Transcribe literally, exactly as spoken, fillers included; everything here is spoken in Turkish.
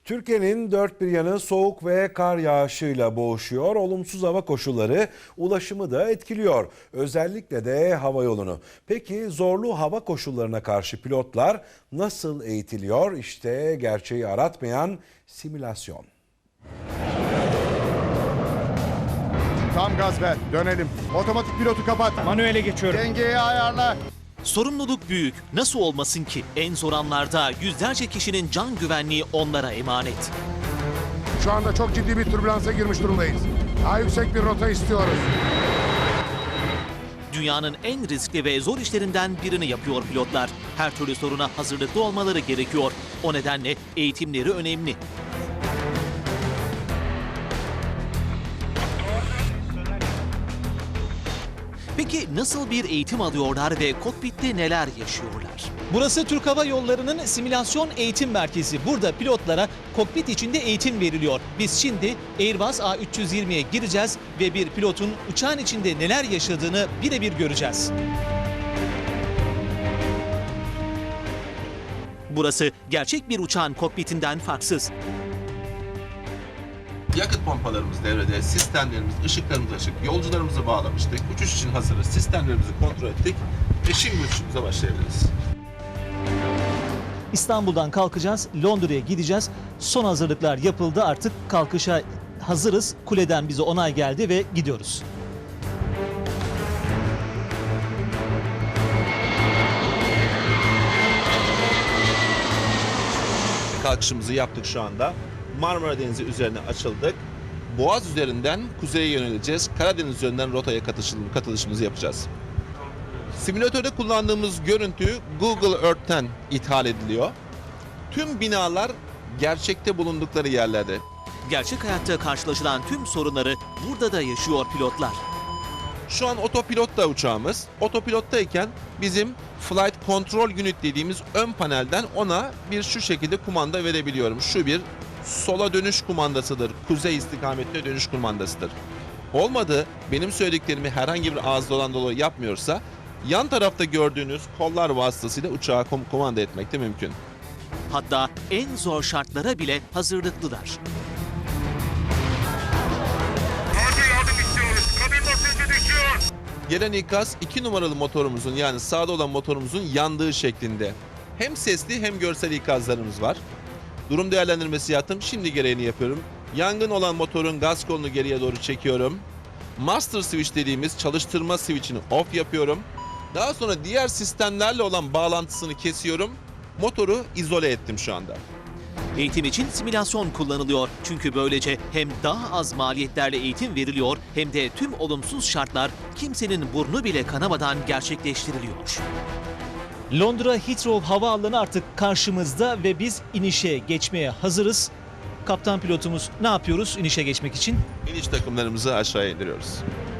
Türkiye'nin dört bir yanı soğuk ve kar yağışıyla boğuşuyor. Olumsuz hava koşulları ulaşımı da etkiliyor. Özellikle de hava yolunu. Peki zorlu hava koşullarına karşı pilotlar nasıl eğitiliyor? İşte gerçeği aratmayan simülasyon. Tam gaz ver, dönelim. Otomatik pilotu kapat. Manuele geçiyorum. Dengeyi ayarla. Sorumluluk büyük. Nasıl olmasın ki? En zor anlarda yüzlerce kişinin can güvenliği onlara emanet. Şu anda çok ciddi bir türbülansa girmiş durumdayız. Daha yüksek bir rota istiyoruz. Dünyanın en riskli ve zor işlerinden birini yapıyor pilotlar. Her türlü soruna hazırlıklı olmaları gerekiyor. O nedenle eğitimleri önemli. Peki nasıl bir eğitim alıyorlar ve kokpitte neler yaşıyorlar? Burası Türk Hava Yolları'nın simülasyon eğitim merkezi. Burada pilotlara kokpit içinde eğitim veriliyor. Biz şimdi Airbus A üç yüz yirmiye gireceğiz ve bir pilotun uçağın içinde neler yaşadığını birebir göreceğiz. Burası gerçek bir uçağın kokpitinden farksız. Yakıt pompalarımız devrede, sistemlerimiz, ışıklarımız açık, yolcularımızı bağlamıştık. Uçuş için hazırız, sistemlerimizi kontrol ettik ve şimdi uçuşumuza başlayabiliriz. İstanbul'dan kalkacağız, Londra'ya gideceğiz. Son hazırlıklar yapıldı, artık kalkışa hazırız. Kuleden bize onay geldi ve gidiyoruz. Kalkışımızı yaptık şu anda. Marmara Denizi üzerine açıldık. Boğaz üzerinden kuzeye yöneleceğiz. Karadeniz üzerinden rotaya katılışım, katılışımızı yapacağız. Simülatörde kullandığımız görüntü Google Earth'ten ithal ediliyor. Tüm binalar gerçekte bulundukları yerlerde. Gerçek hayatta karşılaşılan tüm sorunları burada da yaşıyor pilotlar. Şu an otopilotta uçağımız. Otopilottayken bizim Flight Control Unit dediğimiz ön panelden ona bir şu şekilde kumanda verebiliyorum. Şu bir sola dönüş kumandasıdır. Kuzey istikametine dönüş kumandasıdır. Olmadı, benim söylediklerimi herhangi bir ağız dolan dolu yapmıyorsa yan tarafta gördüğünüz kollar vasıtasıyla uçağı kom- kumanda etmek de mümkün. Hatta en zor şartlara bile hazırlıklılar. Gelen ikaz iki numaralı motorumuzun yani sağda olan motorumuzun yandığı şeklinde. Hem sesli hem görsel ikazlarımız var. Durum değerlendirmesi yaptım. Şimdi gereğini yapıyorum. Yangın olan motorun gaz kolunu geriye doğru çekiyorum. Master switch dediğimiz çalıştırma switch'ini off yapıyorum. Daha sonra diğer sistemlerle olan bağlantısını kesiyorum. Motoru izole ettim şu anda. Eğitim için simülasyon kullanılıyor. Çünkü böylece hem daha az maliyetlerle eğitim veriliyor hem de tüm olumsuz şartlar kimsenin burnu bile kanamadan gerçekleştiriliyor. Londra Heathrow Havaalanı artık karşımızda ve biz inişe geçmeye hazırız. Kaptan pilotumuz ne yapıyoruz inişe geçmek için? İniş takımlarımızı aşağıya indiriyoruz.